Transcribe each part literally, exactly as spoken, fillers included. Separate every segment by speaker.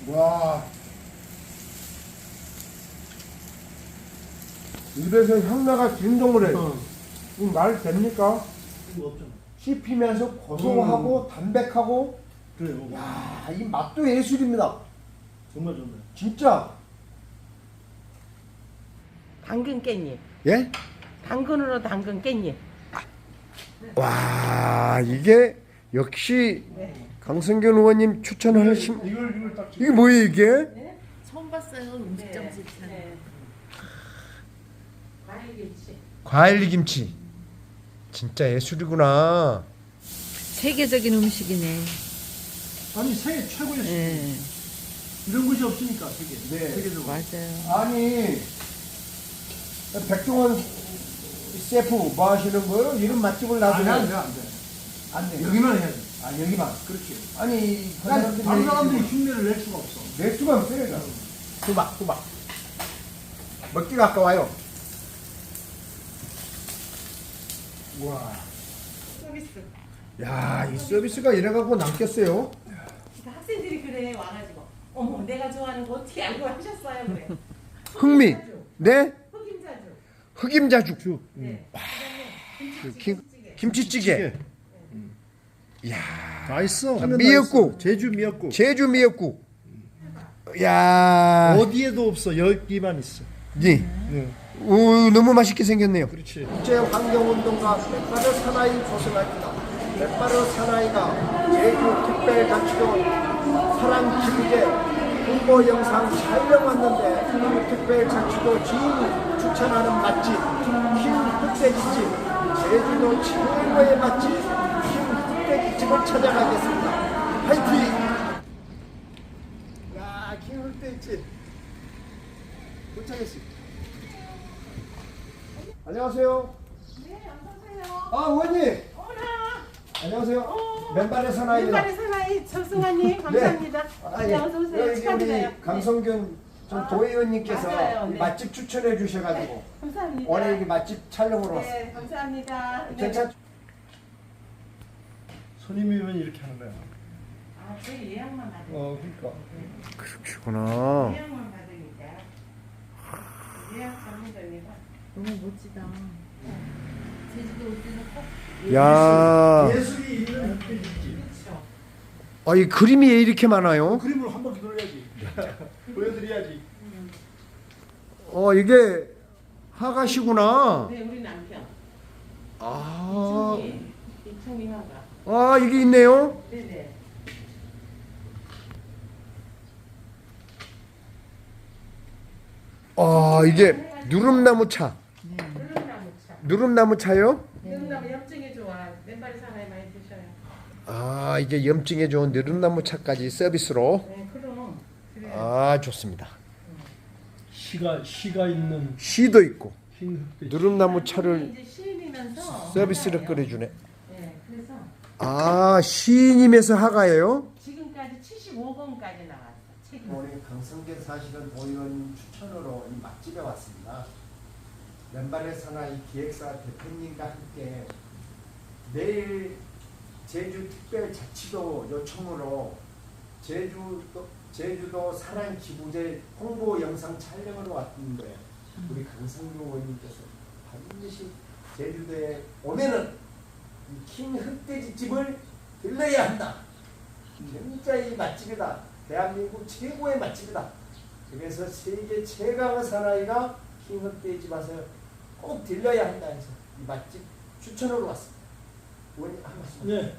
Speaker 1: 와. 입에서 향나가 진동을 해.
Speaker 2: 어.
Speaker 1: 이 말 됩니까?
Speaker 2: 이거 없잖아.
Speaker 1: 씹히면서 고소하고 담백하고.
Speaker 2: 그래요.
Speaker 1: 야, 이 맛도 예술입니다.
Speaker 2: 정말 좋네.
Speaker 1: 진짜.
Speaker 3: 당근 깻잎.
Speaker 1: 예?
Speaker 3: 당근으로 당근 깻잎.
Speaker 1: 와, 이게 역시 강성균 의원님 추천하신
Speaker 2: 이걸 이걸 딱
Speaker 1: 이게 뭐예요 이게?
Speaker 3: 네?
Speaker 4: 처음 봤어요. 음식점 실천.
Speaker 3: 네. 과일김치.
Speaker 1: 과일 김치. 진짜 예술이구나.
Speaker 4: 세계적인 음식이네.
Speaker 2: 아니 세계 최고의 수
Speaker 4: 예.
Speaker 2: 이런 것이 없으니까 세계.
Speaker 1: 네.
Speaker 2: 세계적으로.
Speaker 4: 맞아요.
Speaker 1: 아니 백종원 셰프 뭐 하시는 거예요? 이런 맛집을
Speaker 2: 아니
Speaker 1: 놔두면
Speaker 2: 안 돼, 안 돼.
Speaker 1: 안 돼.
Speaker 2: 여기만 해야지.
Speaker 1: 아 여기만.
Speaker 2: 그렇지.
Speaker 1: 아니 그
Speaker 2: 다른
Speaker 1: 사람들이
Speaker 2: 다른 사람들이
Speaker 1: 얘기지
Speaker 2: 흉내를 낼 수가 없어.
Speaker 1: 뭐. 낼 수가 없어요. 이거. 수박 수박. 먹기가 아까워요. 와.
Speaker 3: 서비스.
Speaker 1: 야, 이 서비스가 이래갖고 남겠어요.
Speaker 3: 그러니까 학생들이 그래 와가지고 어머 내가 좋아하는 거 어떻게 알고 하셨어요 그래.
Speaker 1: 흥미.
Speaker 3: 흑임자주.
Speaker 1: 네?
Speaker 3: 흑임자주.
Speaker 1: 흑임자죽.
Speaker 3: 네.
Speaker 1: 그 김, 김치찌개. 이야.
Speaker 2: 다 있어.
Speaker 1: 아, 미역국.
Speaker 2: 제주 미역국.
Speaker 1: 제주 미역국. 야.
Speaker 2: 어디에도 없어. 여기만 있어.
Speaker 1: 예.
Speaker 2: 네.
Speaker 1: 오, 너무 맛있게 생겼네요.
Speaker 2: 그렇지.
Speaker 1: 국제 환경운동가 맷바르 사나이 조성합니다. 맷바르 사나이가 제주 특별자치도 사랑 기부제 홍보 영상 촬영 왔는데 특별자치도 지인이 추천하는 맛집 흰 흑돼지집 제주도 최고의 맛집 흰 흑돼지집을 찾아가겠습니다. 화이팅! 야, 흰 흑돼지집 도착했습니다. 안녕하세요.
Speaker 3: 네 어서오세요.
Speaker 1: 아, 의원님.
Speaker 3: 어머나.
Speaker 1: 안녕하세요.
Speaker 3: 어.
Speaker 1: 맨발의 사나이입니다.
Speaker 3: 맨발의 사나이 정승환님 감사합니다.
Speaker 1: 아,
Speaker 3: 네,
Speaker 1: 예.
Speaker 3: 어서 오세요.
Speaker 1: 여기
Speaker 3: 축하드려요.
Speaker 1: 우리 강성균 전
Speaker 3: 아,
Speaker 1: 도의원님께서
Speaker 3: 맞아요.
Speaker 1: 이
Speaker 3: 네.
Speaker 1: 맛집 추천해 주셔가지고
Speaker 3: 네, 감사합니다.
Speaker 1: 오늘 여기 맛집 촬영으로 왔어요.
Speaker 3: 네, 감사합니다. 네.
Speaker 1: 괜찮?
Speaker 2: 손님이면 이렇게 하는 거야.
Speaker 3: 아, 저희 예약만 받으니까.
Speaker 2: 어, 그러니까.
Speaker 1: 그렇구나.
Speaker 3: 예약만 받으니까. 예약 전문점이라.
Speaker 4: 너무 멋지다. 제주도 올 때는 꼭
Speaker 1: 야,
Speaker 2: 예술이 있는 흑돼지집.
Speaker 3: 그렇죠.
Speaker 1: 아, 이 그림이 왜 이렇게 많아요?
Speaker 2: 그림을 한 바퀴 돌려야지. 보여드려야지.
Speaker 1: 어, 이게 하가시구나.
Speaker 3: 네, 우리 남편.
Speaker 1: 아,
Speaker 3: 이충희. 이충희 화가.
Speaker 1: 아, 이게 있네요.
Speaker 3: 네네.
Speaker 1: 아, 이게 누름나무 차.
Speaker 3: 누름나무 차.
Speaker 1: 누름나무 차요?
Speaker 3: 누름나무 염증에 좋아. 맨발의 사나이 많이 드셔요.
Speaker 1: 아, 이게 염증에 좋은 누름나무 차까지 서비스로.
Speaker 3: 네, 그럼. 그래요.
Speaker 1: 아, 좋습니다.
Speaker 2: 시가 시가 있는
Speaker 1: 시도 있고
Speaker 2: 흰 흑돼지.
Speaker 1: 누름나무 차를
Speaker 3: 이제 시인이면서
Speaker 1: 서비스를
Speaker 3: 하나예요.
Speaker 1: 끓여주네.
Speaker 3: 네, 그래서
Speaker 1: 아, 시인임에서 하가예요?
Speaker 3: 지금까지 칠십오 권까지 나왔어. 책이.
Speaker 1: 오늘 강성균 사실은 도의원 추천으로 이 맛집에 왔습니다. 맨발의 사나이 기획사 대표님과 함께 내일 제주특별자치도 요청으로 제주도, 제주도 사랑 기부제 홍보 영상 촬영으로 왔는데 우리 강성균 의원님께서 반드시 제주도에 오면은 킹 흑돼지집을 들러야 한다. 진짜 이 맛집이다. 대한민국 최고의 맛집이다. 그래서 세계 최강의 사나이가 킹 흑돼지집 와서 꼭 들려야 한다 해서 이 맛집 추천으로 왔습니다. 의원님 한 말씀.
Speaker 2: 네.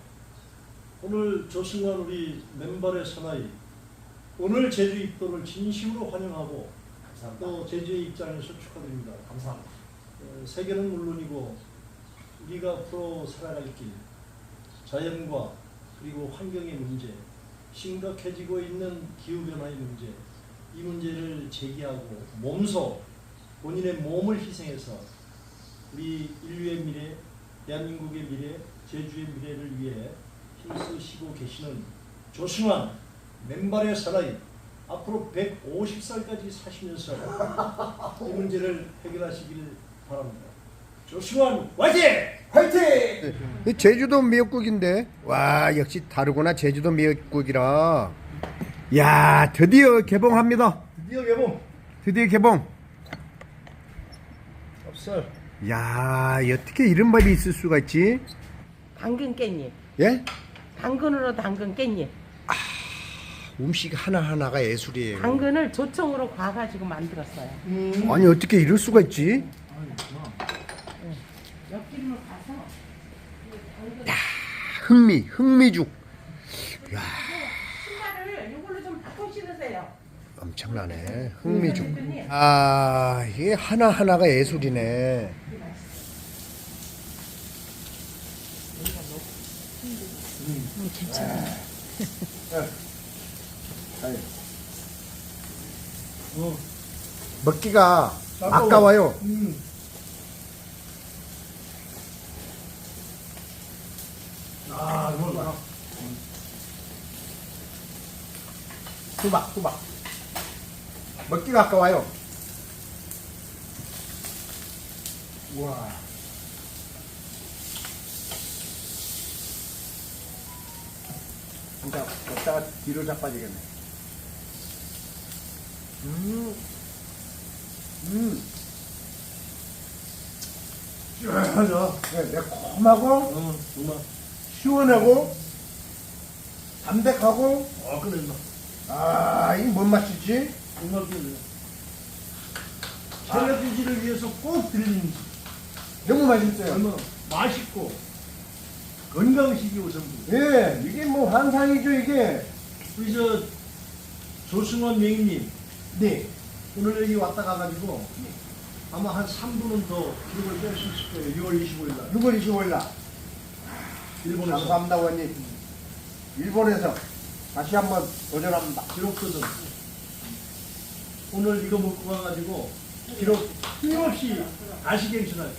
Speaker 2: 오늘 조승환 우리 맨발의 사나이 오늘 제주 입도를 진심으로 환영하고
Speaker 1: 감사합니다.
Speaker 2: 또 제주의 입장에서 축하드립니다.
Speaker 1: 감사합니다.
Speaker 2: 어, 세계는 물론이고 우리가 앞으로 살아갈 길, 자연과 그리고 환경의 문제, 심각해지고 있는 기후변화의 문제, 이 문제를 제기하고 몸소 본인의 몸을 희생해서 우리 인류의 미래, 대한민국의 미래, 제주의 미래를 위해 힘쓰시고 계시는 조승환 맨발의 사나이 앞으로 백오십 살까지 사시면서 이 문제를 해결하시길 바랍니다. 조승환 화이팅!
Speaker 1: 화이팅! 제주도 미역국인데 와 역시 다르구나. 제주도 미역국이라 야, 드디어 개봉합니다.
Speaker 2: 드디어 개봉.
Speaker 1: 드디어 개봉.
Speaker 2: 찹쌀.
Speaker 1: 야, 어떻게 이런 밥이 있을 수가 있지?
Speaker 3: 당근 깻잎.
Speaker 1: 예?
Speaker 3: 당근으로 당근 깻잎.
Speaker 1: 음식 하나하나가 예술이에요.
Speaker 3: 당근을 조청으로 과가지고 만들었어요.
Speaker 2: 음.
Speaker 1: 아니, 어떻게 이럴 수가 있지?
Speaker 3: 엿기름을 가서
Speaker 1: 흥미, 흥미죽.
Speaker 3: 신발을 이걸로 좀 바꿔 신으세요.
Speaker 1: 엄청나네. 흥미죽. 아, 이게 하나하나가 예술이네.
Speaker 4: 음, 괜찮아.
Speaker 2: 어.
Speaker 1: 먹기가
Speaker 2: 아까워.
Speaker 1: 아까워요.
Speaker 2: 음. 아, 이거 봐.
Speaker 1: 수박, 수박. 먹기가 아까워요. 우와. 진짜 먹다가 뒤로 자빠지겠네. 음. 음.
Speaker 2: 시원하죠.
Speaker 1: 네, 매콤하고
Speaker 2: 어, 정말.
Speaker 1: 시원하고 담백하고
Speaker 2: 아, 끝냈나.
Speaker 1: 아, 이게 뭔 맛이지?
Speaker 2: 정말 끝냈네. 샐러드지를 위해서 꼭 드리는
Speaker 1: 너무 맛있어요.
Speaker 2: 얼마나 맛있고 건강식이 우선부.
Speaker 1: 예, 이게 뭐 환상이죠, 이게.
Speaker 2: 우리 저 조승원 명인님
Speaker 1: 네.
Speaker 2: 오늘 여기 왔다 가가지고 아마 한 삼 분은 더 기록을 뺄 수 있을 거예요. 유월 이십오일 날
Speaker 1: 유월 이십오일 날.
Speaker 2: 일본에서
Speaker 1: 감사합니다, 원님. 일본에서 다시 한번 도전합니다.
Speaker 2: 기록거든. 오늘 이거 먹고 가가지고 기록 끊임없이 아시겠지만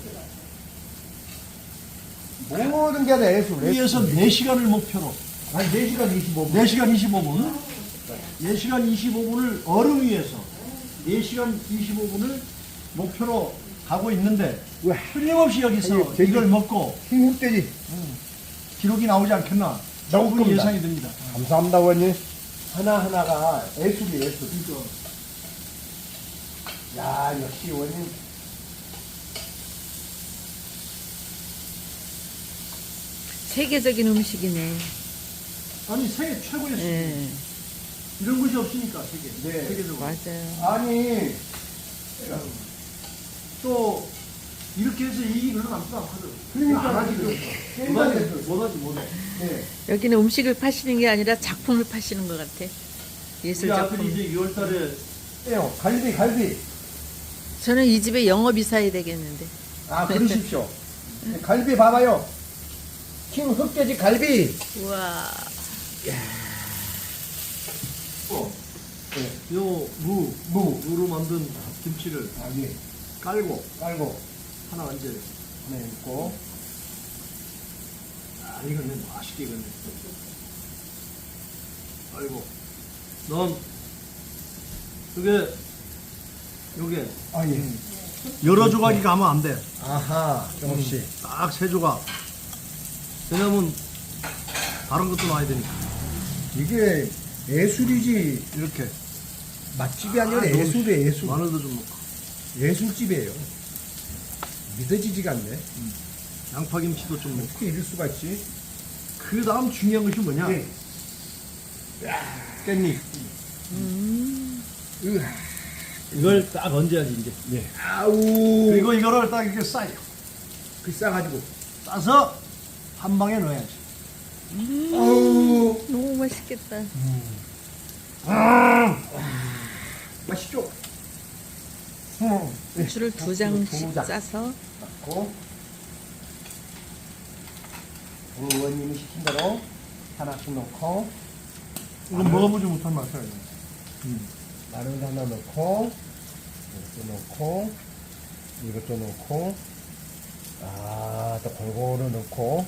Speaker 1: 모든 게 다 예술.
Speaker 2: 위에서 네 시간을 목표로
Speaker 1: 한 네 시간 이십오 분.
Speaker 2: 네 시간 이십오 분 네 시간 이십오 분을 얼음 위에서 네 시간 이십오 분을 목표로 가고 있는데
Speaker 1: 왜?
Speaker 2: 끊임없이 여기서
Speaker 1: 아니, 되게-
Speaker 2: 이걸 먹고
Speaker 1: 힘흑돼지.
Speaker 2: 기록이 나오지 않겠나
Speaker 1: 나올
Speaker 2: 충분히
Speaker 1: 겁니다.
Speaker 2: 예상이 됩니다.
Speaker 1: 감사합니다, 원님. 하나하나가 예술이 예술.
Speaker 2: 그러니까
Speaker 1: 야, 역시 원님.
Speaker 4: 세계적인 음식이네.
Speaker 2: 아니 세계 최고의 수준
Speaker 4: 예,
Speaker 2: 이런 것이 없으니까 세계
Speaker 1: 네.
Speaker 2: 세계적으로
Speaker 4: 맞아요.
Speaker 1: 아니,
Speaker 2: 또 이렇게 해서 이익이 별로 남지도 않거든.
Speaker 1: 그러니까
Speaker 2: 안 하지
Speaker 1: 그
Speaker 2: 그러니까.
Speaker 1: 게임
Speaker 2: 못하지
Speaker 1: 같은 거.
Speaker 2: 못하지 못해.
Speaker 1: 네.
Speaker 4: 여기는 음식을 파시는 게 아니라 작품을 파시는 것 같아. 예술
Speaker 2: 우리 아들이
Speaker 4: 작품.
Speaker 2: 이제 유월달에
Speaker 1: 에요, 갈비, 갈비.
Speaker 4: 저는 이 집에 영업이사야 되겠는데.
Speaker 1: 아, 그러십시오. 네, 갈비 봐봐요. 킹 흑돼지 갈비.
Speaker 4: 우와.
Speaker 1: 네.
Speaker 2: 요무
Speaker 1: 무.
Speaker 2: 무로 만든 김치를
Speaker 1: 아, 예.
Speaker 2: 깔고
Speaker 1: 깔고,
Speaker 2: 하나 얹어요.
Speaker 1: 네, 있고.
Speaker 2: 아 이거는 맛있게 익었네. 아이고 넌 그게 요게
Speaker 1: 아, 예.
Speaker 2: 여러 조각이 가면 안 돼.
Speaker 1: 아하, 정없이.
Speaker 2: 딱 세 조각. 왜냐면 다른 것도 놔야 되니까.
Speaker 1: 이게 예술이지.
Speaker 2: 이렇게
Speaker 1: 맛집이 아니라
Speaker 2: 아,
Speaker 1: 예술이에요, 예술.
Speaker 2: 마늘도 좀 넣고
Speaker 1: 예술집이에요. 믿어지지가 않네.
Speaker 2: 양파김치도 좀 넣고.
Speaker 1: 어떻게 이럴 수가 있지?
Speaker 2: 그 다음 중요한 것이 뭐냐?
Speaker 1: 네.
Speaker 2: 깻잎.
Speaker 4: 음.
Speaker 1: 으아.
Speaker 2: 이걸 딱 얹어야지 이제.
Speaker 1: 네. 아우.
Speaker 2: 그리고 이거를 딱 이렇게 싸요.
Speaker 1: 그 싸가지고.
Speaker 2: 싸서 한 방에 넣어야지.
Speaker 1: 아우.
Speaker 4: 너무 맛있겠다.
Speaker 1: 아. 맛있죠? 음. 네.
Speaker 4: 고추를 두 장씩
Speaker 1: 두 장.
Speaker 4: 싸서.
Speaker 1: 넣고. 우리 의원님이 시킨 대로 하나씩 넣고.
Speaker 2: 이건 먹어보지 못한 맛이야. 이거.
Speaker 1: 마늘 하나 넣고, 이것도 넣고, 이것도 넣고, 아, 또 골고루 넣고,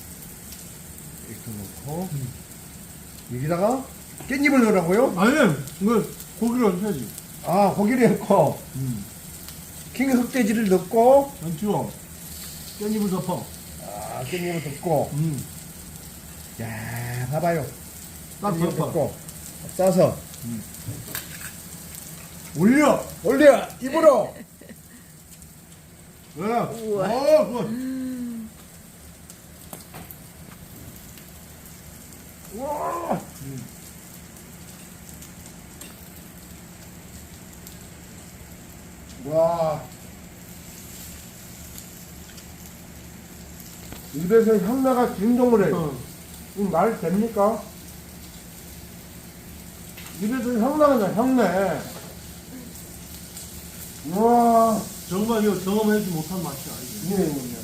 Speaker 1: 이것도 넣고, 여기다가 깻잎을 넣으라고요?
Speaker 2: 아니, 이거 고기를 얹어야지.
Speaker 1: 아, 고기를 넣고, 킹 흑돼지를 넣고,
Speaker 2: 얹고, 깻잎을 덮어.
Speaker 1: 아, 깻잎을 넣고,
Speaker 2: 음.
Speaker 1: 야, 봐봐요.
Speaker 2: 딱
Speaker 1: 깻잎을
Speaker 2: 덮어.
Speaker 1: 넣고, 싸서
Speaker 2: 올려.
Speaker 1: 올려 입으로.
Speaker 2: 네. 어, 그거.
Speaker 1: 와. 와. 입에서 향나가 진동을 해.
Speaker 2: 어.
Speaker 1: 이거 말 됩니까? 입에서 향나가 나 향내. 와.
Speaker 2: 정말 이거 경험하지 못한 맛이야. 이게.
Speaker 1: 네, 네.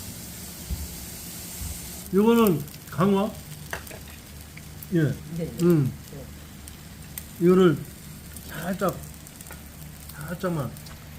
Speaker 2: 이거는 강화. 예.
Speaker 3: 네.
Speaker 2: 음. 이거를 살짝, 살짝만.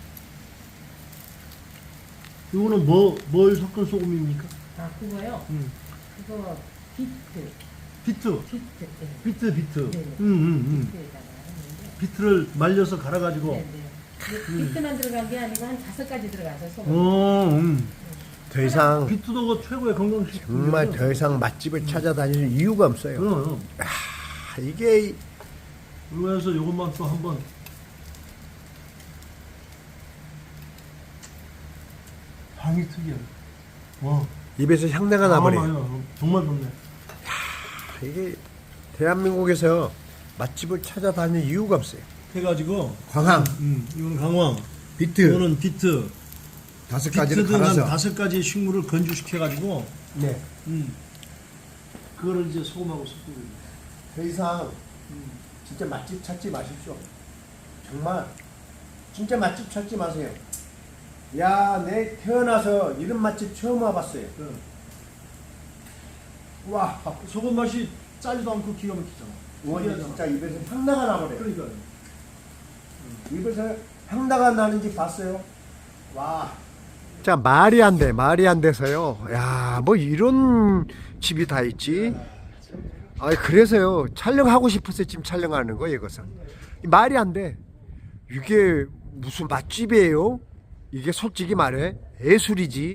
Speaker 2: 이거는 뭐, 뭘 섞은 소금입니까?
Speaker 3: 아 그거요?
Speaker 2: 음.
Speaker 3: 그거 비트.
Speaker 2: 비트.
Speaker 3: 비트. 네.
Speaker 2: 비트, 비트.
Speaker 3: 네.
Speaker 2: 음, 음, 음.
Speaker 3: 비트에다가 했는데.
Speaker 2: 비트를 말려서 갈아가지고.
Speaker 3: 네, 네. 근데 비트만 들어간 게 아니고 한 다섯 가지 들어가서 소금.
Speaker 2: 어, 음.
Speaker 1: 더 이상
Speaker 2: 비트도 그 최고의 건강식.
Speaker 1: 정말 더 이상 맛집을 찾아다니는 이유가 없어요.
Speaker 2: 그럼.
Speaker 1: 아, 이게
Speaker 2: 그래서 이것만 또 한번. 향이 특이해. 와.
Speaker 1: 입에서 향내가 나버려.
Speaker 2: 아, 맞아. 정말 좋네.
Speaker 1: 이게 대한민국에서 맛집을 찾아다니는 이유가 없어요.
Speaker 2: 해가지고.
Speaker 1: 광항,
Speaker 2: 음, 이거는 강황.
Speaker 1: 비트
Speaker 2: 이거는 비트.
Speaker 1: 다섯 가지를
Speaker 2: 비트든 한
Speaker 1: 갈아서.
Speaker 2: 다섯 가지 식물을 건조시켜가지고.
Speaker 1: 네.
Speaker 2: 음. 그거를 이제 소금하고 섞고. 있는
Speaker 1: 더 이상 진짜 맛집 찾지 마십시오. 정말 진짜 맛집 찾지 마세요. 야, 내 태어나서 이런 맛집 처음 와봤어요.
Speaker 2: 거예요.
Speaker 1: 와,
Speaker 2: 소금 맛이 짜지도 않고 기가 막히잖아.
Speaker 1: 와,
Speaker 2: 특이하잖아.
Speaker 1: 진짜 입에서 향나가 나버려요.
Speaker 2: 그러니까.
Speaker 1: 입에서 향나가 나는지 봤어요. 와. 자, 말이 안 돼. 말이 안 돼서요. 야, 뭐 이런 집이 다 있지. 아, 그래서요. 촬영하고 싶어서 지금 촬영하는 거예요, 이것은. 말이 안 돼. 이게 무슨 맛집이에요? 이게 솔직히 말해 예술이지.